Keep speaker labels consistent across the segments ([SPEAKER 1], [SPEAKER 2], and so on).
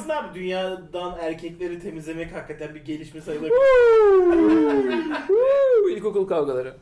[SPEAKER 1] Aslında abi dünyadan erkekleri temizlemek hakikaten bir gelişme sayılabilir.
[SPEAKER 2] İlkokul kavgaları.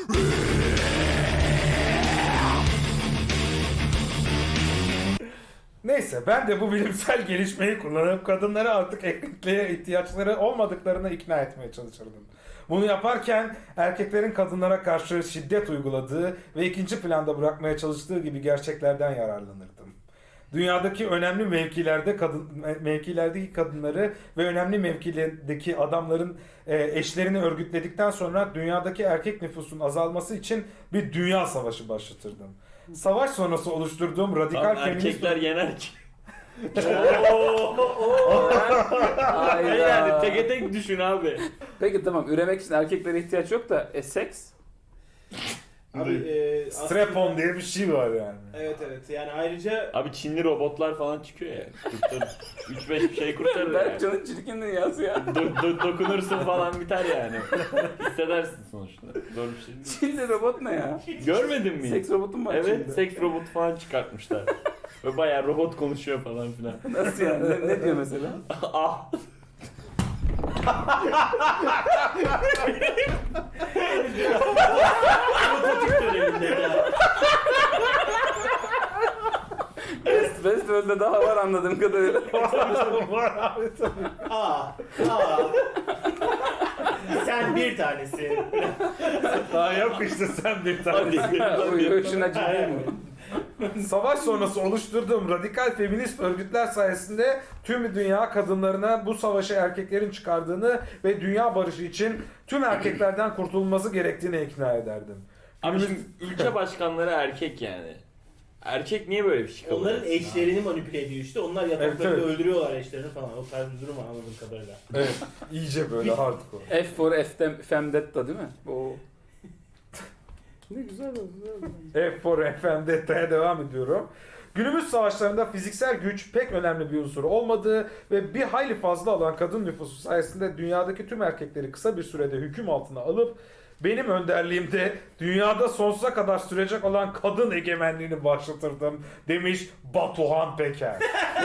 [SPEAKER 3] Neyse ben de bu bilimsel gelişmeyi kullanıp kadınları artık erkekliğe ihtiyaçları olmadıklarına ikna etmeye çalışırdım. Bunu yaparken erkeklerin kadınlara karşı şiddet uyguladığı ve ikinci planda bırakmaya çalıştığı gibi gerçeklerden yararlanırdım. Dünyadaki önemli mevkilerdeki kadınları ve önemli mevkilerdeki adamların eşlerini örgütledikten sonra dünyadaki erkek nüfusun azalması için bir dünya savaşı başlatırdım. Savaş sonrası oluşturduğum radikal
[SPEAKER 4] Tam
[SPEAKER 3] feminist...
[SPEAKER 4] erkekler yener ki.
[SPEAKER 2] Hayda.
[SPEAKER 4] Yani teke tek düşün abi.
[SPEAKER 2] Peki tamam, üremek için erkeklere ihtiyaç yok da seks?
[SPEAKER 1] Abi
[SPEAKER 3] Strap-on diye bir şey var yani.
[SPEAKER 1] Evet yani ayrıca
[SPEAKER 4] Abi Çinli robotlar falan çıkıyor ya. Kurtarır. 3-5 bir şey kurtarır yani.
[SPEAKER 2] Berkcan'ın çirkin dünyası ya.
[SPEAKER 4] Dokunursun falan biter yani. Hissedersin sonuçta. Zor bir şey değil.
[SPEAKER 2] Çinli robot ne ya?
[SPEAKER 4] Görmedin mi?
[SPEAKER 2] Seks robotu mu var
[SPEAKER 4] Evet,
[SPEAKER 2] Çin'de?
[SPEAKER 4] seks robotu falan çıkartmışlar. Ve bayağı robot konuşuyor falan filan.
[SPEAKER 2] Nasıl yani? Ne diyor mesela?
[SPEAKER 4] Ah!
[SPEAKER 1] robotik döneminde ya.
[SPEAKER 2] Westworld'de daha var anladığım kadarıyla.
[SPEAKER 3] Var abi tabii.
[SPEAKER 1] Aa. Sen bir tanesi.
[SPEAKER 3] Daha yok işte sen bir tane.
[SPEAKER 2] Hoşuna ciddi mi?
[SPEAKER 3] Savaş sonrası oluşturduğum radikal feminist örgütler sayesinde tüm dünya kadınlarına bu savaşı erkeklerin çıkardığını ve dünya barışı için tüm erkeklerden kurtulması gerektiğini ikna ederdim.
[SPEAKER 4] Abi şimdi ülke başkanları erkek yani. Erkek niye böyle bir şey kabul
[SPEAKER 1] Onların
[SPEAKER 4] etsin
[SPEAKER 1] eşlerini manipüle ediyor işte. Onlar yataklarında
[SPEAKER 3] Evet.
[SPEAKER 1] öldürüyorlar eşlerini falan. O tarz bir durum var anladığım kadarıyla.
[SPEAKER 3] Evet, iyice böyle hardcore.
[SPEAKER 2] F for Femdetta değil mi? O. Ne güzel oldu.
[SPEAKER 3] F for FMDT'ye devam ediyorum. Günümüz savaşlarında fiziksel güç pek önemli bir unsur olmadığı ve bir hayli fazla olan kadın nüfusu sayesinde dünyadaki tüm erkekleri kısa bir sürede hüküm altına alıp benim önderliğimde dünyada sonsuza kadar sürecek olan kadın egemenliğini başlatırdım demiş Batuhan Peker.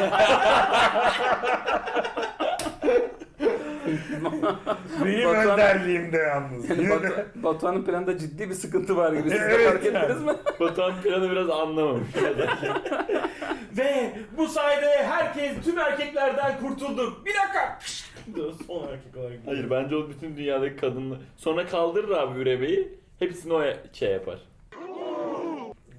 [SPEAKER 3] Benim
[SPEAKER 2] Batuhan-
[SPEAKER 3] önderliğimde yalnız.
[SPEAKER 2] Yani Batuhan'ın planında ciddi bir sıkıntı var gibi. Siz de
[SPEAKER 3] Evet
[SPEAKER 2] fark ettiniz
[SPEAKER 3] yani.
[SPEAKER 2] mi?
[SPEAKER 4] Batuhan planı biraz anlamamış.
[SPEAKER 1] Ve bu sayede tüm erkeklerden kurtulduk. Bir dakika. Son erkek olarak.
[SPEAKER 4] Hayır bence o bütün dünyadaki kadınlar sonra kaldırır abi üremeyi. Hepsini o şey yapar.